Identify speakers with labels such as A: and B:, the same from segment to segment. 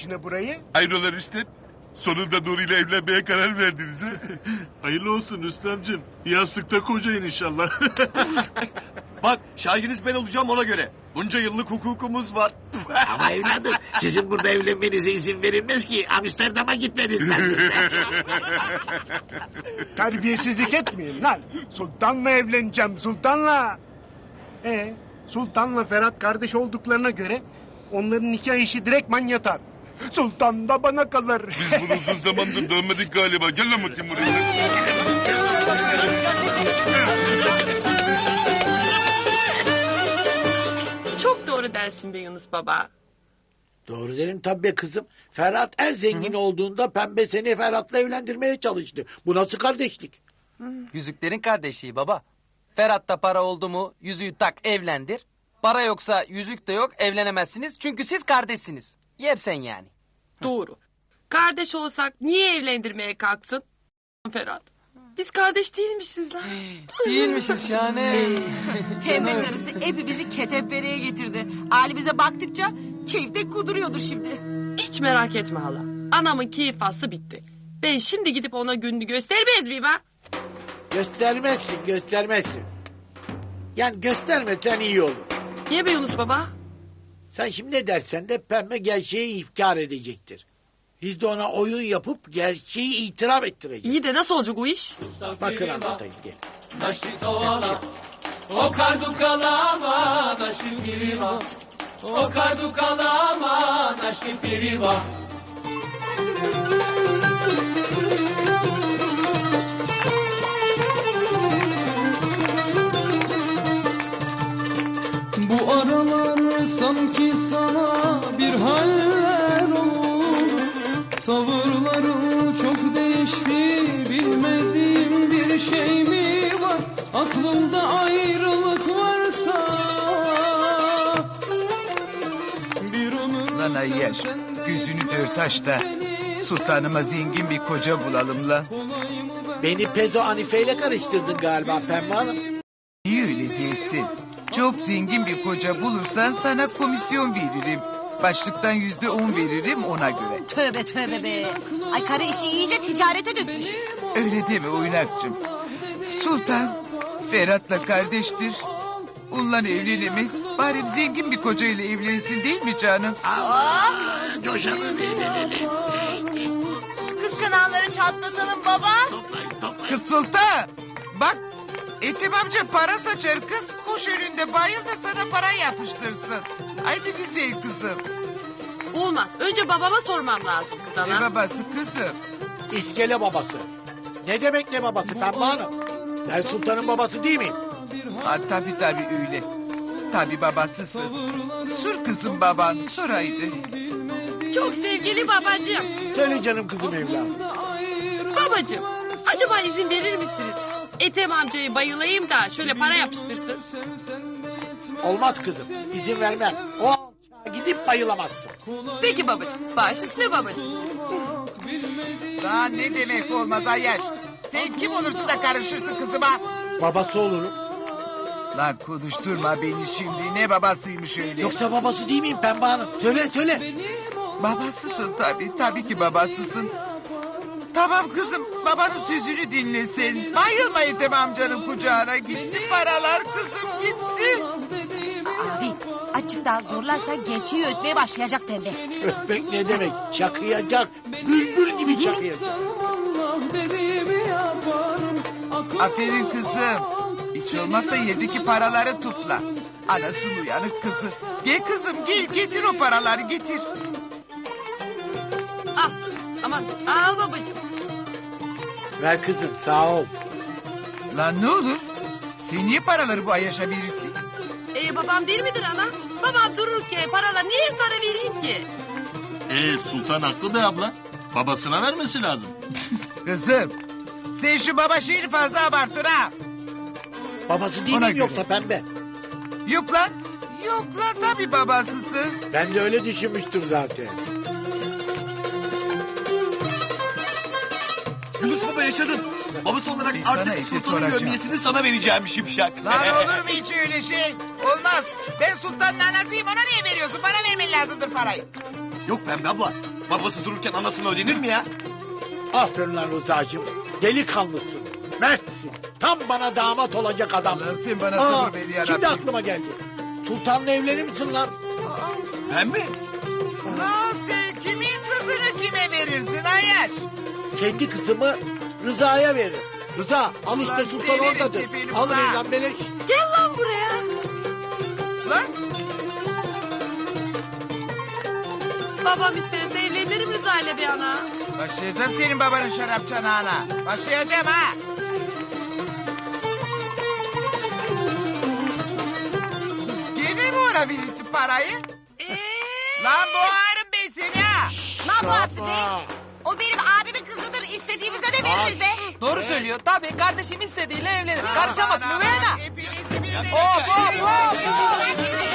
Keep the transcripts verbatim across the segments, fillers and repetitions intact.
A: peşine burayı?
B: Hayrola Rüstem? Sonunda Nuri ile evlenmeye karar verdiniz ha?
C: Hayırlı olsun Rüstemciğim. Yastıkta kocayın inşallah.
D: Bak şahidiniz ben olacağım ona göre. Bunca yıllık hukukumuz var.
E: Ama evladım sizin burada evlenmenize izin verilmez ki. Amsterdam'a gitmeniz lazım.
A: Terbiyesizlik etmeyin lan. Sultan'la evleneceğim, Sultan'la. Ee, Sultan'la Ferhat kardeş olduklarına göre onların nikah işi direktman yatar. Sultan da bana kalır.
B: Biz bunu uzun zamandır dönmedik galiba. Gel lan bakayım buraya.
F: Çok doğru dersin be Yunus baba.
E: Doğru derim tabii be kızım. Ferhat en zengin olduğunda pembe seni Ferhat'la evlendirmeye çalıştı. Bu nasıl kardeşlik?
G: Yüzüklerin kardeşliği baba. Ferhat'ta para oldu mu yüzüğü tak evlendir. Para yoksa yüzük de yok evlenemezsiniz. Çünkü siz kardeşsiniz. Yersen yani.
F: Doğru. Kardeş olsak niye evlendirmeye kalksın Ferhat? Biz kardeş değilmişiz lan.
G: Değilmişiz şahane.
H: Pembe karısı hepimizi ketepereye getirdi. Ali bize baktıkça keyifte kuduruyordur şimdi.
F: Hiç merak etme hala. Anamın keyif faslı bitti. Ben şimdi gidip ona gününü göstermez miyim ha?
E: Göstermezsin, göstermezsin. Yani göstermesen iyi olur.
F: Niye be Yunus baba?
E: Sen şimdi ne dersen de pembe gerçeği ifkar edecektir. Biz de ona oyun yapıp gerçeği itiraf ettireceğiz.
F: İyi de nasıl olacak o iş?
E: Bakın anlatayım gel.
I: O kardu kalama naşim piriva. O kardu kalama naşim piriva.
J: Bu aralar sanki sana bir haller oldu. Tavırların çok değişti, bilmediğim bir şey mi var? Aklımda ayrılık varsa bir ömür.
K: Lan Ayyar, gözünü dört aç da sultanıma zengin bir koca bulalım lan.
E: Beni Pezo Hanife ile karıştırdın galiba Pembe Hanım.
K: Niye öyle değilsin? Çok zengin bir koca bulursan sana komisyon veririm. Başlıktan yüzde on veririm ona göre.
H: Tövbe tövbe be. Ay karı işi iyice ticarete dökmüş.
K: Öyle deme oynakçım. Sultan Ferhat'la kardeştir. Onunla evlenemez. Bari zengin bir kocayla evlensin değil mi canım?
E: Aa, coşalım evlenelim.
H: Kıskananları çatlatalım baba.
K: Kız Sultan bak Ethem amca para saçar kız. Koş önünde bayıl da sana para yapıştırsın. Haydi güzel kızım.
F: Olmaz. Önce babama sormam lazım kız ana.
K: Ne babası kızım?
E: İskele babası. Ne demek ne babası Pembe Hanım? Ben sultanın babası değil miyim?
K: Ha, tabii tabii öyle. Tabii babasısın. Sor kızım baban sor haydi.
F: Çok sevgili babacığım.
E: Söyle canım kızım evladım.
F: Babacığım, acaba izin verir misiniz? Ethem amcayı bayılayım da şöyle para yapıştırsın.
E: Olmaz kızım. İzin vermem. O alçağa gidip bayılamazsın.
F: Peki babacığım. Baş üstüne babacığım.
K: Daha ne demek olmaz Ayyaş. Sen kim olursun da karışırsın kızıma?
E: Babası olurum.
K: Lan konuşturma beni şimdi. Ne babasıymış öyle?
E: Yoksa babası değil miyim Pembe Hanım? Söyle söyle.
K: Babasısın tabii. Tabii ki babasısın. Tamam kızım babanın sözünü dinlesin. Bayılma Ethem amcanın kucağına. Gitsin paralar kızım gitsin.
H: Abi açık daha zorlarsa gerçeği ötmeye başlayacak pembe.
E: Öpmek ne demek? Çakıyacak. Bülbül gibi çakıyacak.
K: Aferin kızım. Hiç olmazsa yerdeki paraları topla. Anasının uyanık kızı. Gel kızım gel getir o paraları getir.
F: Al. Aman al babacığım.
E: Ver kızım sağ ol.
K: Lan ne olur? Sen niye paraları bu Ayyaş'a verirsin?
F: Ee, babam değil midir ana? Babam dururken paralar niye sana vereyim ki?
C: Ee, Sultan haklı be abla. Babasına vermesi lazım.
K: Kızım sen şu baba şeyini fazla abarttın ha.
E: Babası değil
K: Ona
E: miyim
K: göre.
E: yoksa Pembe?
K: Yok lan. Yok lan tabii babasısın.
E: Ben de öyle düşünmüştüm zaten.
D: Yunus baba yaşadın. Babası olarak
K: Ben sana
D: artık
K: ete
D: sultanın
K: soracağım.
D: gömlesini sana vereceğim şimşak.
K: Lan olur mu hiç öyle şey? Olmaz. Ben sultanın anasıyım ona niye veriyorsun? Bana vermen lazımdır parayı.
D: Yok Pembe abla. Babası dururken anasını ödenir mi ya?
E: Aferin lan Rıza'cığım. Delikanlısın. Mertsin. Tam bana damat olacak adamsın.
K: Allah'ım sen bana
E: Aa,
K: sabır ver ya
E: Şimdi
K: Rabbim.
E: aklıma geldi. Sultan'la evlenir misin lan?
D: Ben mi?
K: Lan sen kimin kızını kime verirsin Ayaş?
E: Kendi kızımı Rıza'ya veririm. Rıza al işte
K: Ulan
E: Sultan
K: delirin
E: oradadır.
K: tipini
E: Al
K: ulan.
E: lan beleş.
F: Gel lan buraya.
K: Lan
F: Babam isterse evlenirim Rıza ile bir ana.
K: başlayacağım senin babanın şarap çanağına. Başlayacağım ha. Kız gene mi ona verirsin parayı?
F: Ee,
K: Lan boğarım ben seni ha.
H: Ne yapıyorsun be?
E: Aa,
H: O benim abimin kızıdır. İstediğimize de veririz be.
G: Doğru söylüyor. Tabii kardeşim istediğiyle evlenir. Karışamazsın
K: Aman,
G: üvey
K: aman,
G: ana.
K: hepinizi birden
G: Hop hop
K: öldürürüm.
G: hop.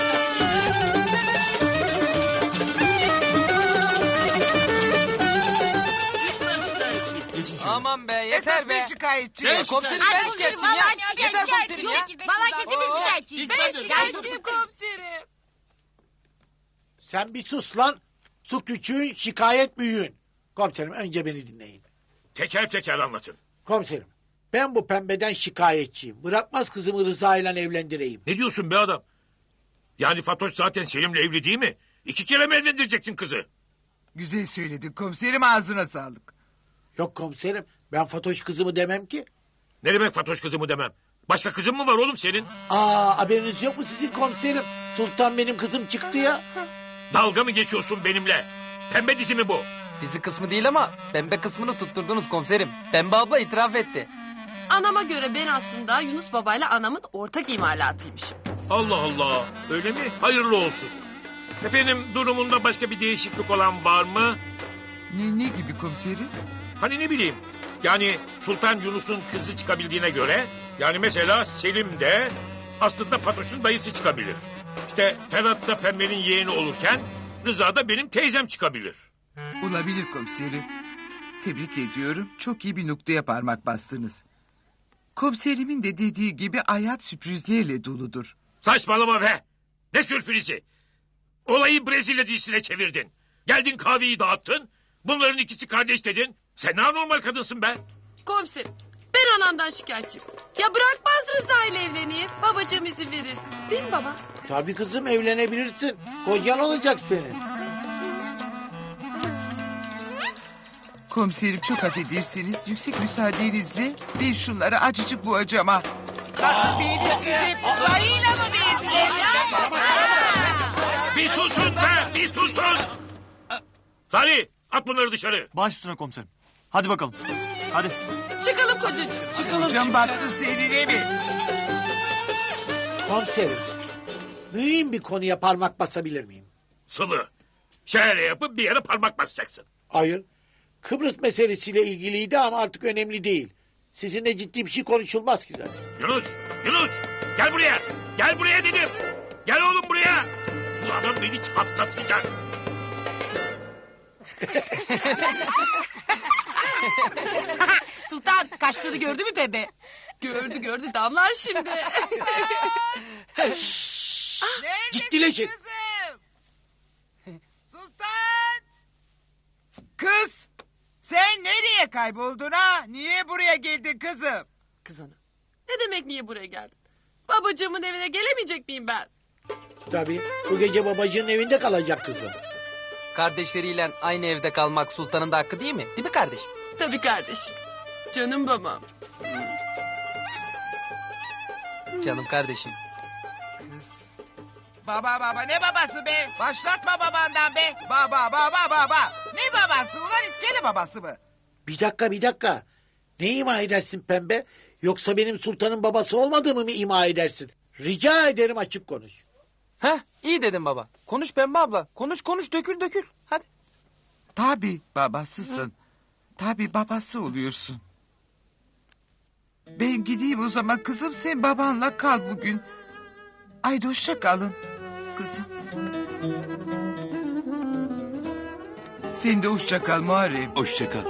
G: Aman be yeter
K: Esas
G: be.
K: bir şikayetçi.
G: Ya komiserim ben şikayetçiyim ya. Yeter komiserim ya.
H: Valla kesin bir şikayetçiyim.
F: ben şikayetçiyim komiserim.
E: sen bir sus lan. Su küçüğün şikayet büyüğün. Komiserim önce beni dinleyin.
B: Teker teker anlatın.
E: Komiserim ben bu pembeden şikayetçiyim. Bırakmaz kızımı Rıza ile evlendireyim.
B: Ne diyorsun be adam? Yani Fatoş zaten Selim'le evli değil mi? İki kere mi evlendireceksin kızı?
K: Güzel söyledin komiserim ağzına sağlık.
E: Yok komiserim ben Fatoş kızımı demem ki.
B: Ne demek Fatoş kızımı demem? Başka kızın mı var oğlum senin?
E: Aa haberiniz yok mu sizin komiserim? Sultan benim kızım çıktı ya.
B: Dalga mı geçiyorsun benimle? Pembe dizi mi bu?
G: Dizi kısmı değil ama pembe kısmını tutturdunuz komiserim. Pembe abla itiraf etti.
F: Anama göre ben aslında Yunus babayla anamın ortak imalatıymışım.
B: Allah Allah. Öyle mi? Hayırlı olsun. Efendim durumunda başka bir değişiklik olan var mı?
K: Ne, ne gibi komiserim?
B: Hani ne bileyim. Yani Sultan Yunus'un kızı çıkabildiğine göre... yani mesela Selim de aslında Fatoş'un dayısı çıkabilir. İşte Ferhat da Pembe'nin yeğeni olurken Rıza da benim teyzem çıkabilir.
K: Olabilir komiserim. Tebrik ediyorum. Çok iyi bir noktaya parmak bastınız. Komiserimin de dediği gibi hayat sürprizlerle doludur.
B: Saçmalama be. Ne sürprizi. Olayı Brezilya dizisine çevirdin. Geldin kahveyi dağıttın. Bunların ikisi kardeş dedin. Sen ne anormal kadınsın be.
F: Komiserim ben anamdan şikayetçiyim. Ya bırakmaz Rıza ile evleneyim. Babacığım izin verir. Değil mi baba?
E: Tabii kızım evlenebilirsin. Kocan olacak senin.
K: Komiserim çok affedersiniz. Yüksek müsaadenizle ben şunları acıcık boğacağım ha. Lan beni size sayıyla mı verdiler ya?
B: Bir susun be. Bir susun. Salih at bunları dışarı.
J: Baş üstüne komiserim. Hadi bakalım. Hadi.
F: Çıkalım kocacığım.
K: Hocam baksın seninle mi?
E: Komiserim mühim bir konuya parmak basabilir miyim?
B: Sılı. Şöyle yapıp bir yere parmak basacaksın.
E: Hayır. Kıbrıs meselesiyle ilgiliydi ama artık önemli değil. Sizinle ciddi bir şey konuşulmaz ki zaten.
B: Yunus. Yunus. Gel buraya. Gel buraya dedim. Gel oğlum buraya. Bu adam beni çatlatacak.
H: Sultan kaçtığını gördü mü Pembe?
F: Gördü gördü damlar şimdi.
E: Ciddileşin.
K: Kızım? Sultan! Kız! Sen nereye kayboldun ha? Niye buraya geldin kızım?
F: Kız ana. Ne demek niye buraya geldin? Babacığımın evine gelemeyecek miyim ben?
E: Tabii bu gece babacığın evinde kalacak kızım.
G: Kardeşleriyle aynı evde kalmak sultanın da hakkı değil mi? Değil mi kardeşim?
F: Tabii kardeşim. Canım babam.
G: Canım kardeşim.
K: Kız. Baba baba ne babası be? Başlatma babandan be. Baba baba baba. Ne babası ulan iskele babası mı?
E: Bir dakika bir dakika. Ne ima edersin pembe? Yoksa benim sultanın babası olmadığımı mı ima edersin? Rica ederim açık konuş.
G: Heh iyi dedin baba. Konuş Pembe abla. Konuş konuş dökül dökül. Hadi.
K: Tabii babasısın. Tabii babası oluyorsun. Ben gideyim o zaman kızım sen babanla kal bugün. Haydi hoşça kalın kızım. Sen de hoşça kal Muharrem.
L: Hoşça kal.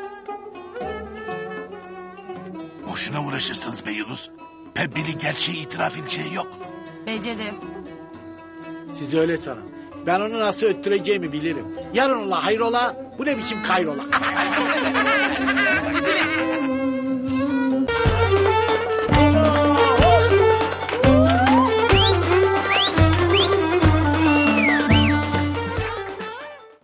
L: Boşuna uğraşırsınız be Yunus. Pembenin gerçeği itiraf edeceği yok.
H: Bence de.
E: Siz öyle sanın. Ben onu nasıl öttüreceğimi bilirim. Yarın ola hayrola, bu ne biçim kayrola.